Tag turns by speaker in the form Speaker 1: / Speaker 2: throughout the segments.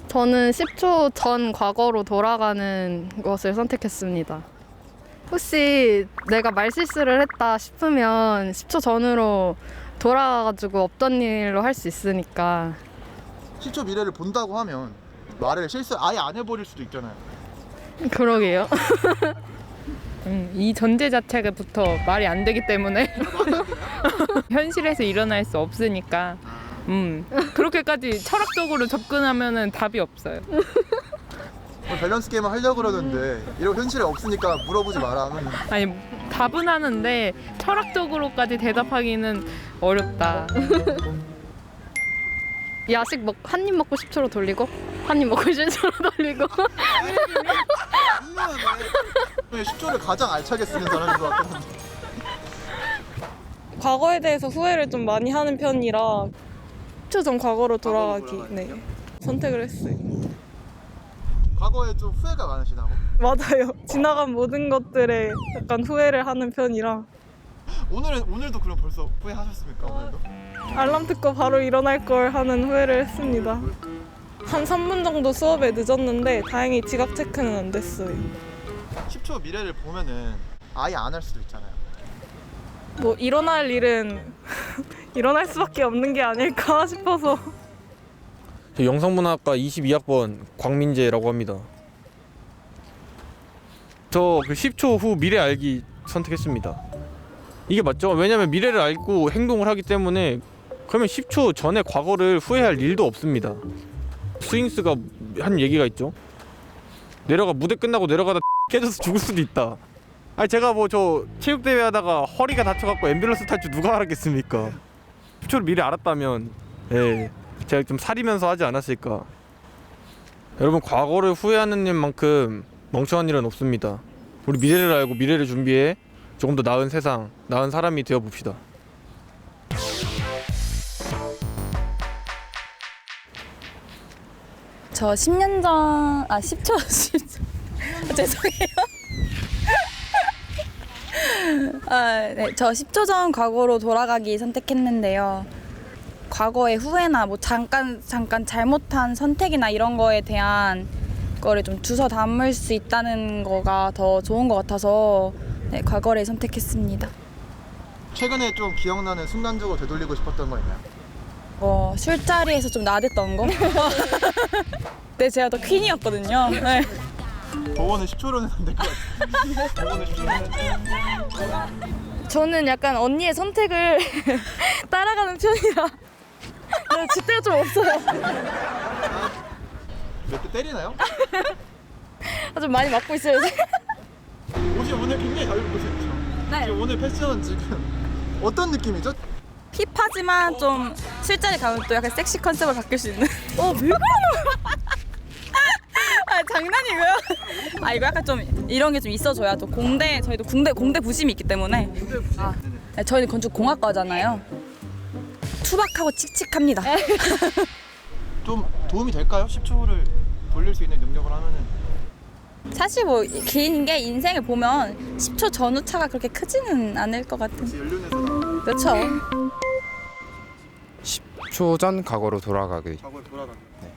Speaker 1: 저는 10초 전 과거로 돌아가는 것을 선택했습니다. 혹시 내가 말실수를 했다 싶으면 10초 전으로 돌아가가지고 없던 일로 할 수 있으니까.
Speaker 2: 10초 미래를 본다고 하면 말을 실수 아예 안 해버릴 수도 있잖아요.
Speaker 1: 그러게요.
Speaker 3: 이 전제 자체부터 말이 안 되기 때문에 현실에서 일어날 수 없으니까 그렇게까지 철학적으로 접근하면은 답이 없어요.
Speaker 2: 밸런스 게임을 하려고 그러는데 이런 현실에 없으니까 물어보지 마라 하면
Speaker 3: 아니 답은 하는데 철학적으로까지 대답하기는 어렵다.
Speaker 1: 야식 한 입 먹고 10초로 돌리고 한 입 먹고 10초로 돌리고.
Speaker 2: 10초를 가장 알차게 쓰는 사람인 것 같거든요.
Speaker 4: 과거에 대해서 후회를 좀 많이 하는 편이라 10초 전 과거로 돌아가기 선택을 했어요.
Speaker 2: 과거에 좀 후회가 많으시다고?
Speaker 4: 맞아요. 지나간 모든 것들에 약간 후회를 하는 편이라
Speaker 2: 오늘도 그럼 벌써 후회하셨습니까? 오늘도?
Speaker 4: 알람 듣고 바로 일어날 걸 하는 후회를 했습니다. 한 3분 정도 수업에 늦었는데 다행히 지각 체크는 안 됐어요.
Speaker 2: 10초 미래를 보면은 아예 안 할 수도 있잖아요.
Speaker 4: 뭐 일어날 일은 일어날 수밖에 없는 게 아닐까 싶어서.
Speaker 5: 저 영상문화학과 22학번 광민재라고 합니다. 저 그 10초 후 미래 알기 선택했습니다. 이게 맞죠? 왜냐면 미래를 알고 행동을 하기 때문에 그러면 10초 전에 과거를 후회할 일도 없습니다. 스윙스가 한 얘기가 있죠. 무대 끝나고 내려가다 깨져서 죽을 수도 있다. 아니 제가 뭐 저 체육대회 하다가 허리가 다쳐갖고 앰뷸런스 탈 줄 누가 알았겠습니까? 10초를 미리 알았다면 제가 좀 사리면서 하지 않았을까. 여러분 과거를 후회하는 일만큼 멍청한 일은 없습니다. 우리 미래를 알고 미래를 준비해 조금 더 나은 세상, 나은 사람이 되어 봅시다.
Speaker 6: 저 10년 전, 10초. 죄송해요. 네, 저 10초 전 과거로 돌아가기 선택했는데요. 과거의 후회나 뭐 잠깐 잘못한 선택이나 이런 거에 대한 거를 좀 주워 담을 수 있다는 거가 더 좋은 것 같아서 네, 과거를 선택했습니다.
Speaker 2: 최근에 좀 기억나는 순간적으로 되돌리고 싶었던 거 있나요?
Speaker 6: 술자리에서 좀 나댔던 거? 네, 제가 더 퀸이었거든요. 네.
Speaker 2: 저거는 10초로는 안 될 것 같아요. 저거는 10초로는
Speaker 6: 저는 약간 언니의 선택을 따라가는 편이라 네, 줏대가 좀 없어요.
Speaker 2: 몇 대 때리나요?
Speaker 6: 좀 많이 맞고 있어요.
Speaker 2: 옷이 오늘 굉장히 잘 입고 있죠?
Speaker 6: 네.
Speaker 2: 지금 오늘 패션 지금 어떤 느낌이죠?
Speaker 6: 힙하지만 좀 술자리 가면 또 약간 섹시 컨셉으로 바뀔 수 있는. 왜 그러는 장난이고요. 이거 약간 좀 이런 게 좀 있어줘야 또 저희도 공대 부심이 있기 때문에. 네, 저희는 건축공학과잖아요. 투박하고 칙칙합니다.
Speaker 2: 좀 도움이 될까요? 10초를 돌릴 수 있는 능력을 하면은.
Speaker 6: 사실 뭐 긴 게 인생을 보면 10초 전후 차가 그렇게 크지는 않을 것 같은.
Speaker 2: 연륜에서
Speaker 6: 그렇죠.
Speaker 7: 10초 전 과거로 돌아가기.
Speaker 2: 과거에 돌아가는.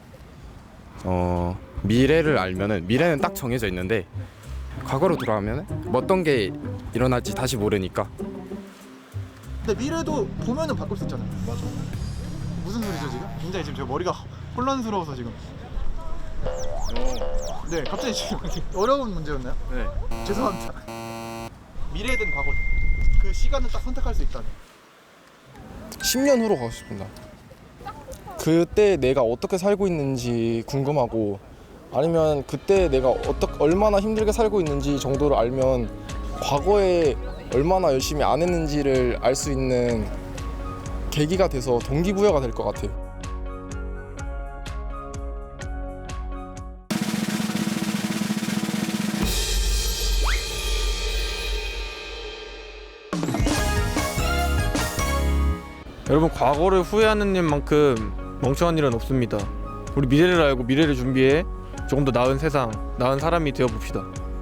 Speaker 7: 미래를 알면은 미래는 딱 정해져 있는데 과거로 돌아가면은 뭐 어떤 게 일어날지 다시 모르니까.
Speaker 2: 근데 미래도 보면은 바꿀 수 있잖아요. 맞아. 무슨 소리죠 지금? 굉장히 지금 제 머리가 혼란스러워서 지금. 네, 갑자기 지금 어려운 문제였나요?
Speaker 5: 네.
Speaker 2: 죄송합니다. 미래든 과거 그 시간을 딱 선택할 수 있다면
Speaker 8: 10년 후로 가고 싶습니다. 그때 내가 어떻게 살고 있는지 궁금하고 아니면 그때 내가 얼마나 힘들게 살고 있는지 정도를 알면 과거에 얼마나 열심히 안 했는지를 알 수 있는 계기가 돼서 동기부여가 될 것 같아요.
Speaker 5: 여러분 과거를 후회하는 일만큼 멍청한 일은 없습니다. 우리 미래를 알고 미래를 준비해 조금 더 나은 세상, 나은 사람이 되어 봅시다.